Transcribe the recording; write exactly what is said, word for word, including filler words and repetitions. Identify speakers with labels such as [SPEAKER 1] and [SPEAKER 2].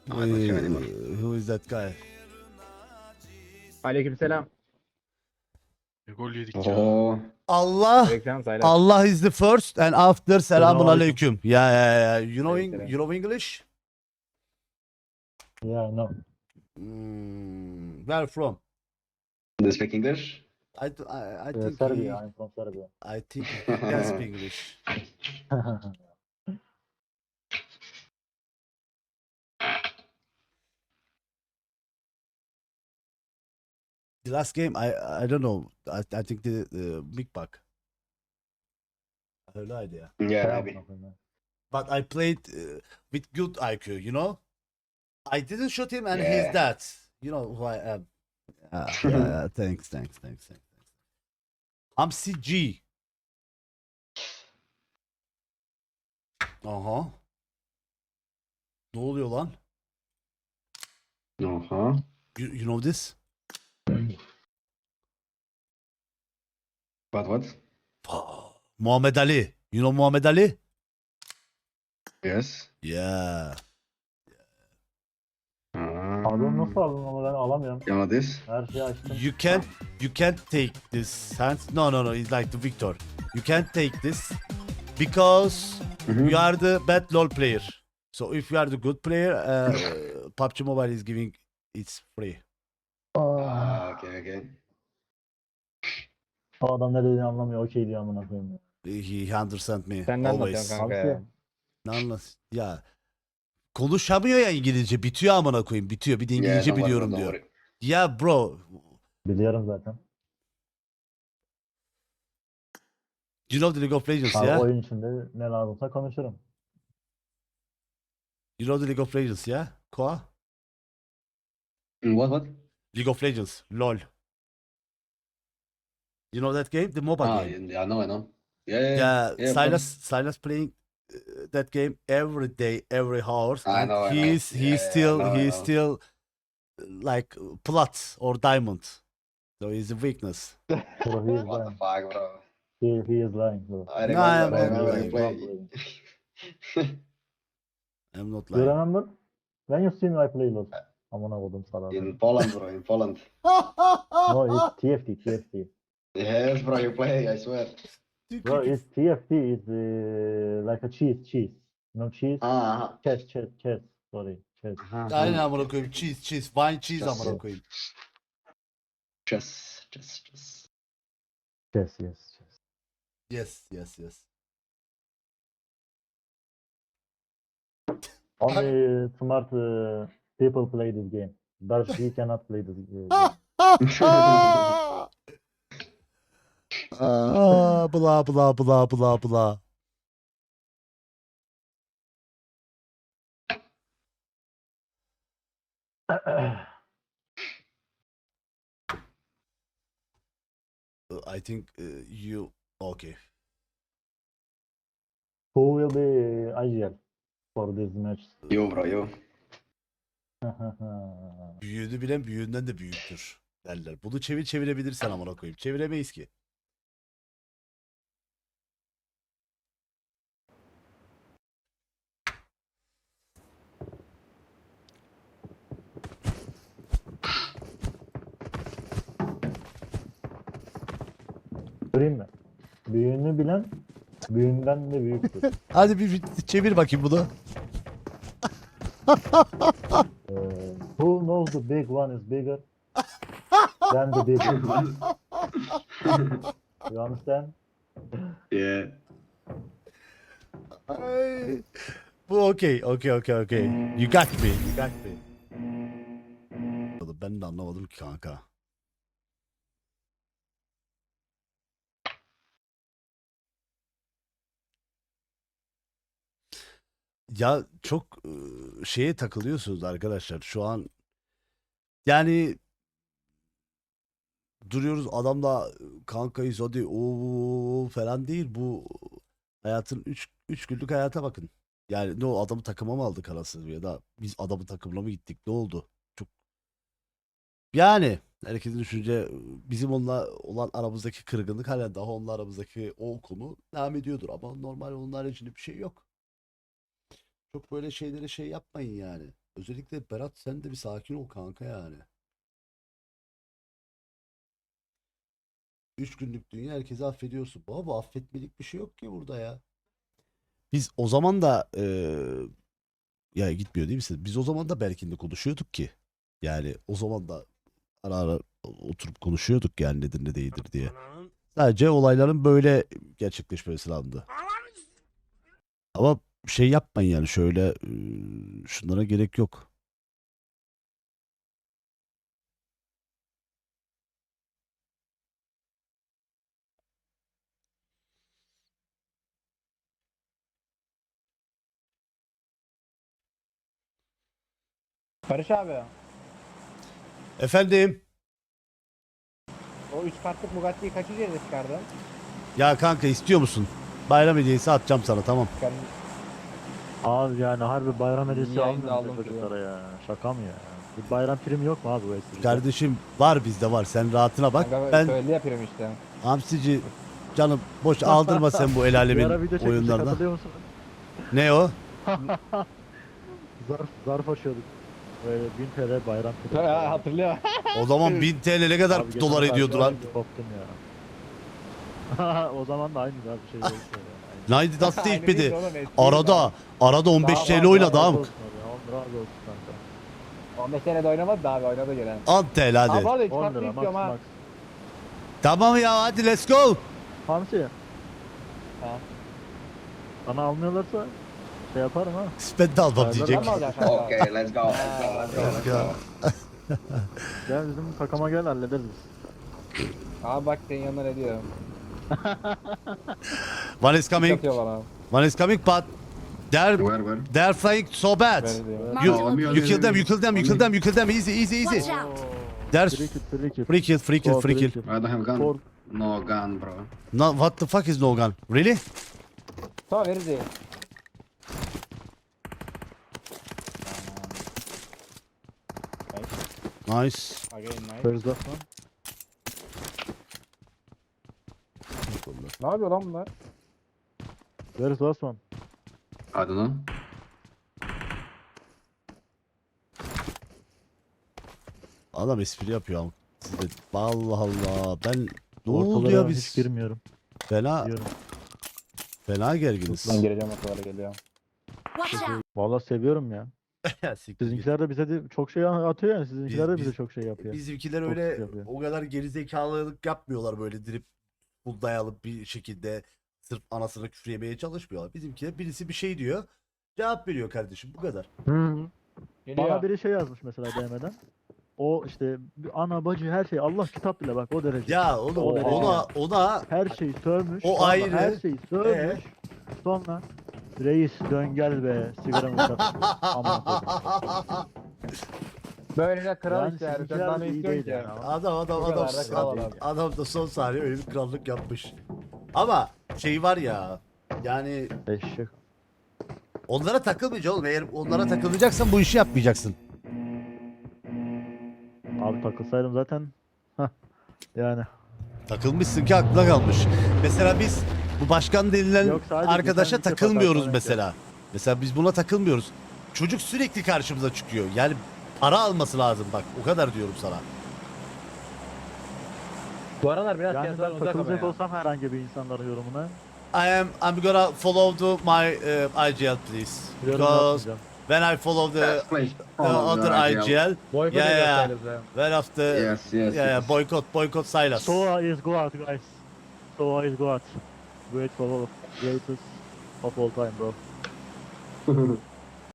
[SPEAKER 1] No, I don't have any money.
[SPEAKER 2] Uh, who is that guy?
[SPEAKER 3] Aleykümselam.
[SPEAKER 4] Ne gol yedik ya.
[SPEAKER 1] Oh,
[SPEAKER 2] Allah.
[SPEAKER 3] Aleykümselam Saylas.
[SPEAKER 2] Allah is the first and after selamun
[SPEAKER 5] Selamünaleyküm.
[SPEAKER 2] aleyküm. Yeah, yeah, yeah. You know, Eng-
[SPEAKER 3] Aleykümselam.
[SPEAKER 2] you know English?
[SPEAKER 5] Yeah, no.
[SPEAKER 2] Mm, where from?
[SPEAKER 1] do you speak English?
[SPEAKER 2] I, th- I, I
[SPEAKER 5] Uh,
[SPEAKER 2] think
[SPEAKER 5] Serbia.
[SPEAKER 2] he,
[SPEAKER 5] I'm from Serbia.
[SPEAKER 2] I think he can speak English. The last game, I I don't know. I, I think the, the big bug. Öyleydi ya.
[SPEAKER 1] Yeah,
[SPEAKER 5] Selam
[SPEAKER 1] maybe.
[SPEAKER 5] bakayım ben.
[SPEAKER 2] But I played uh, with good I Q, you know. I didn't shoot him, and
[SPEAKER 1] Yeah.
[SPEAKER 2] he's that. You know who I am. Yeah, yeah, yeah. Thanks, thanks, thanks, thanks. I'm C G. Aha. Ne oluyor lan?
[SPEAKER 1] Uh-huh.
[SPEAKER 2] You, you know this?
[SPEAKER 1] What, what?
[SPEAKER 2] Ah, Muhammed Ali. You know Muhammed Ali?
[SPEAKER 1] Yes.
[SPEAKER 2] Yeah.
[SPEAKER 5] Pardon, nasıl
[SPEAKER 1] Um,
[SPEAKER 5] aldın ama ben alamıyorum.
[SPEAKER 1] you know this?
[SPEAKER 5] Her şeyi açtım.
[SPEAKER 2] You can't you can't take this hands. No, no, no. It's like the Victor. You can't take this because
[SPEAKER 1] Mhm.
[SPEAKER 2] you are the bad LoL player. So if you are the good player, uh, P U B G Mobile is giving it's free.
[SPEAKER 5] Aa,
[SPEAKER 1] Ah, okay, okay.
[SPEAKER 5] o adam ne dediğini anlamıyor. Okey diyor amına koyayım.
[SPEAKER 2] He understand me
[SPEAKER 3] Sen ne anlatıyorsun
[SPEAKER 2] always.
[SPEAKER 3] kanka ya?
[SPEAKER 5] Hamsi.
[SPEAKER 2] Ne anlat? Ya konuşamıyor ya İngilizce. Bitiyor amına koyayım. Bitiyor. Bir de
[SPEAKER 1] Yeah,
[SPEAKER 2] İngilizce
[SPEAKER 1] don't worry,
[SPEAKER 2] biliyorum
[SPEAKER 1] don't
[SPEAKER 2] diyor.
[SPEAKER 1] worry.
[SPEAKER 2] Ya bro,
[SPEAKER 5] Biliyorum zaten.
[SPEAKER 2] you know the League of Legends
[SPEAKER 5] Abi
[SPEAKER 2] ya?
[SPEAKER 5] oyun içinde ne lazımsa konuşurum.
[SPEAKER 2] You know the League of Legends ya? Koa?
[SPEAKER 1] Mm, What, what?
[SPEAKER 2] League of Legends. LoL. You know that game? The mobile
[SPEAKER 1] Ah,
[SPEAKER 2] game.
[SPEAKER 1] yeah, I know, I know. Yeah, yeah,
[SPEAKER 2] Yeah,
[SPEAKER 1] yeah,
[SPEAKER 2] Silas
[SPEAKER 1] but-
[SPEAKER 2] Silas playing uh, that game every day, every hour,
[SPEAKER 1] I
[SPEAKER 2] and
[SPEAKER 1] know, I know.
[SPEAKER 2] he's
[SPEAKER 1] Yeah,
[SPEAKER 2] he's
[SPEAKER 1] yeah, I
[SPEAKER 2] still
[SPEAKER 1] know, I
[SPEAKER 2] he's
[SPEAKER 1] know.
[SPEAKER 2] still uh, like uh, plat or diamond. So he's a weakness.
[SPEAKER 5] Bro, he is
[SPEAKER 1] What the
[SPEAKER 5] lying.
[SPEAKER 1] fuck, bro?
[SPEAKER 5] He, he is lying bro.
[SPEAKER 1] I
[SPEAKER 2] No, I am
[SPEAKER 1] remember, I
[SPEAKER 2] not
[SPEAKER 1] remember
[SPEAKER 2] lying.
[SPEAKER 1] you play.
[SPEAKER 2] I'm not
[SPEAKER 5] You
[SPEAKER 2] lying.
[SPEAKER 5] remember? When you see me I play LoL. Amına koydum sana.
[SPEAKER 1] In Poland, bro, in Poland.
[SPEAKER 5] No, it's T F T, T F T.
[SPEAKER 1] Yes, bro, you play, I swear.
[SPEAKER 5] Bro, it's T F T is uh, like a cheese, cheese. You know cheese?
[SPEAKER 1] Ah,
[SPEAKER 5] Chess, chess, chess. Sorry, chess.
[SPEAKER 2] Aynen amına koyayım. Cheese, cheese, wine cheese
[SPEAKER 1] Just
[SPEAKER 2] amına
[SPEAKER 1] so.
[SPEAKER 2] koyayım.
[SPEAKER 1] Chess, chess, chess.
[SPEAKER 5] Chess, yes, chess.
[SPEAKER 2] Yes, yes, yes.
[SPEAKER 5] Only smart uh, people play this game. Darsh, he cannot play this uh, game.
[SPEAKER 2] Ah, blah blah blah blah blah. Uh, I think uh, you okay.
[SPEAKER 5] Who will be I G L for this match?
[SPEAKER 1] You, bro, you.
[SPEAKER 2] Büyüğünü bilen büyüğünden de büyüktür derler. Bunu çevir çevirebilirsen amına koyayım. Çeviremeyiz ki.
[SPEAKER 5] Göreyim mi? Büyüğünü bilen büyüğünden de büyüktür.
[SPEAKER 2] Hadi bir, bir çevir bakayım bunu.
[SPEAKER 5] Uh, who knows the big one is bigger than the big one? You understand?
[SPEAKER 1] Yeah.
[SPEAKER 2] Ay, bu okey, okey, okey, okey. You got me, you got me. Oğlum ben de anlamadım ki kanka. Ya çok ıı, şeye takılıyorsunuz arkadaşlar. Şu an yani duruyoruz adamla kankayız hadi o falan değil bu hayatın üç üç günlük hayata bakın. Yani ne o adamı takıma mı aldık arası ya da biz adamı takımla mı gittik ne oldu? Çok yani herkesin düşünce bizim onunla olan aramızdaki kırgınlık hala daha onunla aramızdaki o konu devam ediyordur ama normal onun haricinde bir şey yok. Çok böyle şeylere şey yapmayın yani. Özellikle Berat sen de bir sakin ol kanka yani. Üç günlük dünya herkesi affediyorsun. Baba affetmelik bir şey yok ki burada ya. Biz o zaman da eee, ya gitmiyor değil misin? Biz o zaman da Berkin'le konuşuyorduk ki. Yani o zaman da ara ara oturup konuşuyorduk yani nedir ne değildir diye. Sadece olayların böyle gerçekleşmesi lazımdı. Ama şey yapmayın yani şöyle eee, şunlara gerek yok.
[SPEAKER 3] Barış abi,
[SPEAKER 2] Efendim?
[SPEAKER 3] o üç kartlık Bugatti'yi kaç üzerinde çıkardın?
[SPEAKER 2] Ya kanka istiyor musun? Bayram hediyesi atacağım sana tamam.
[SPEAKER 3] Çıkardın.
[SPEAKER 5] Abi yani harbi bayram hediyesi
[SPEAKER 3] Niye yayında
[SPEAKER 5] almıyor
[SPEAKER 3] aldım
[SPEAKER 5] mu
[SPEAKER 3] ki
[SPEAKER 5] çocuklara ya? Şaka mı ya? Bir bayram primi yok mu abi bu esirde?
[SPEAKER 2] Kardeşim var bizde var. Sen rahatına bak.
[SPEAKER 3] Kanka
[SPEAKER 2] Ben
[SPEAKER 3] söyledi yapıyorum işte.
[SPEAKER 2] hamsici canım boş aldırma sen bu el
[SPEAKER 5] Bir ara
[SPEAKER 2] alemin
[SPEAKER 5] video çekmiştik
[SPEAKER 2] oyunlarına.
[SPEAKER 5] hatırlıyor musun?
[SPEAKER 2] Ne o?
[SPEAKER 5] Zarf, zarf açıyorduk. Böyle bin T L bayram primi.
[SPEAKER 3] Ha, hatırlıyor.
[SPEAKER 2] O zaman bin T L ne kadar
[SPEAKER 5] Abi geçen
[SPEAKER 2] dolar
[SPEAKER 5] sefer
[SPEAKER 2] ediyordu lan?
[SPEAKER 5] bir Koptum ya. O zaman da aynı abi bir şey yok. Yani.
[SPEAKER 2] Naydi das değil
[SPEAKER 3] Aynı değil
[SPEAKER 2] miydi?
[SPEAKER 3] oğlum, eski
[SPEAKER 2] Arada
[SPEAKER 3] daha.
[SPEAKER 2] arada on beş
[SPEAKER 3] Daha
[SPEAKER 2] T L
[SPEAKER 3] var,
[SPEAKER 2] oynadı
[SPEAKER 3] daha
[SPEAKER 2] ha.
[SPEAKER 5] Razı olsun abi, on razı olsun kanka.
[SPEAKER 3] on beş senede oynamadı da abi oynadı gelen.
[SPEAKER 2] on T L
[SPEAKER 3] Abi
[SPEAKER 2] hadi.
[SPEAKER 3] hadi üç
[SPEAKER 5] on
[SPEAKER 3] kartlı
[SPEAKER 5] lira max
[SPEAKER 3] istiyorum ha.
[SPEAKER 5] max.
[SPEAKER 2] Tamam ya hadi let's go.
[SPEAKER 5] Hamsi.
[SPEAKER 3] Ha.
[SPEAKER 5] Bana almıyorlarsa şey yaparım ha.
[SPEAKER 2] Ben de almam
[SPEAKER 5] Ben
[SPEAKER 2] diyecek.
[SPEAKER 3] Ben mi alacağım kanka?
[SPEAKER 1] Okay, let's go. Let's go. Let's go. Let's go.
[SPEAKER 5] Gel bizim takıma gel hallederiz biz.
[SPEAKER 3] Abi bak senin yanına ne diyorum.
[SPEAKER 2] One is coming.
[SPEAKER 3] Atıyor bana.
[SPEAKER 2] One is coming but they're
[SPEAKER 1] Where, where?
[SPEAKER 2] they're flying so bad.
[SPEAKER 3] Böyle diyor.
[SPEAKER 2] You,
[SPEAKER 1] No, on me, on
[SPEAKER 2] you
[SPEAKER 1] me,
[SPEAKER 2] kill
[SPEAKER 1] on
[SPEAKER 2] them,
[SPEAKER 1] me.
[SPEAKER 2] you kill them, you kill them, you kill them. Easy, easy, easy.
[SPEAKER 6] Watch out!
[SPEAKER 2] There's
[SPEAKER 5] Free kill, free kill.
[SPEAKER 2] free kill, free kill,
[SPEAKER 5] Oh,
[SPEAKER 2] free kill.
[SPEAKER 5] kill.
[SPEAKER 1] I don't have gun.
[SPEAKER 5] For-
[SPEAKER 1] No gun, bro.
[SPEAKER 2] No, what the fuck is no gun? Really?
[SPEAKER 3] Tamam veririz iyi.
[SPEAKER 2] Nice.
[SPEAKER 3] Again nice.
[SPEAKER 5] First off lan.
[SPEAKER 3] Ne yapıyor lan bunlar?
[SPEAKER 5] Where is last one?
[SPEAKER 1] I don't know.
[SPEAKER 2] Adam espri yapıyor ama. Siz de- Allah Allah. Ben ne oldu
[SPEAKER 5] Ortalara
[SPEAKER 2] ya
[SPEAKER 5] hiç
[SPEAKER 2] biz?
[SPEAKER 5] girmiyorum.
[SPEAKER 2] Fena
[SPEAKER 5] Diyorum.
[SPEAKER 2] fena gerginiz.
[SPEAKER 3] Ben gireceğim ortalara geliyor.
[SPEAKER 6] Watch out!
[SPEAKER 5] Vallahi seviyorum ya.
[SPEAKER 2] Ya siktir git.
[SPEAKER 5] Sizinkiler de bize de çok şey atıyor yani. Sizinkiler de
[SPEAKER 2] Biz-
[SPEAKER 5] bize
[SPEAKER 2] biz-
[SPEAKER 5] çok şey yapıyor.
[SPEAKER 2] Bizimkiler
[SPEAKER 5] Çok
[SPEAKER 2] öyle
[SPEAKER 5] yapıyor.
[SPEAKER 2] o kadar gerizekalılık yapmıyorlar böyle dirip dayalı bir şekilde sırf anasına küfür yemeye çalışmıyorlar. Bizimkiler birisi bir şey diyor. Cevap veriyor kardeşim bu kadar.
[SPEAKER 5] Hı hı.
[SPEAKER 3] Geliyor.
[SPEAKER 5] Bana biri şey yazmış mesela D M'den. O işte bir ana bacı her şey Allah kitap bile bak o derece.
[SPEAKER 2] Ya oğlum
[SPEAKER 5] Oha.
[SPEAKER 2] ona ona
[SPEAKER 5] Her şeyi sövmüş.
[SPEAKER 2] O
[SPEAKER 5] sonra
[SPEAKER 2] ayrı.
[SPEAKER 5] Her şeyi sövmüş. Sonra reis dön gel be sigaramı yak. Aman koyayım.
[SPEAKER 3] Böyle kral
[SPEAKER 5] Yani
[SPEAKER 3] işte yani. Sen
[SPEAKER 5] sizinkiler
[SPEAKER 3] daha ne
[SPEAKER 5] iyi
[SPEAKER 3] istiyorsun
[SPEAKER 5] değil
[SPEAKER 3] ki?
[SPEAKER 5] yani.
[SPEAKER 2] adam adam
[SPEAKER 3] Bu
[SPEAKER 2] adam
[SPEAKER 3] kadar da kral
[SPEAKER 2] adam,
[SPEAKER 3] adam.
[SPEAKER 2] adam da son saniye öyle bir krallık yapmış. Ama şey var ya yani
[SPEAKER 5] Eşek.
[SPEAKER 2] onlara takılmayacaksın oğlum. Eğer onlara takılacaksan bu işi yapmayacaksın.
[SPEAKER 5] Abi takılsaydım zaten. Hah. Yani.
[SPEAKER 2] Takılmışsın ki aklına kalmış. Mesela biz bu başkan denilen
[SPEAKER 5] Yok, sadece
[SPEAKER 2] arkadaşa
[SPEAKER 5] geçen bir
[SPEAKER 2] takılmıyoruz
[SPEAKER 5] sefer
[SPEAKER 2] mesela. Mesela biz buna takılmıyoruz. Çocuk sürekli karşımıza çıkıyor. Yani para alması lazım bak. O kadar diyorum sana.
[SPEAKER 3] Bu aralar biraz
[SPEAKER 5] Yani
[SPEAKER 3] piyasadan
[SPEAKER 5] ben
[SPEAKER 3] uzak ama
[SPEAKER 5] takılacak
[SPEAKER 3] ya.
[SPEAKER 5] olsam herhangi bir insanların yorumuna
[SPEAKER 2] I am I'm gonna follow the my uh, I G L please.
[SPEAKER 5] yorum
[SPEAKER 2] Because
[SPEAKER 5] yapmayacağım.
[SPEAKER 2] when I follow the,
[SPEAKER 1] Yes, please.
[SPEAKER 2] the
[SPEAKER 1] Follow the
[SPEAKER 2] other
[SPEAKER 1] I G L.
[SPEAKER 2] I G L,
[SPEAKER 3] Boykot
[SPEAKER 2] Yeah,
[SPEAKER 3] ediyor
[SPEAKER 2] yeah.
[SPEAKER 3] sayılır.
[SPEAKER 2] when after
[SPEAKER 1] Yes, yes.
[SPEAKER 2] yeah, yeah,
[SPEAKER 1] yes.
[SPEAKER 2] boycott boycott Silas.
[SPEAKER 5] Soa is God guys. Soa is God. Great for all. Greatest of all time bro.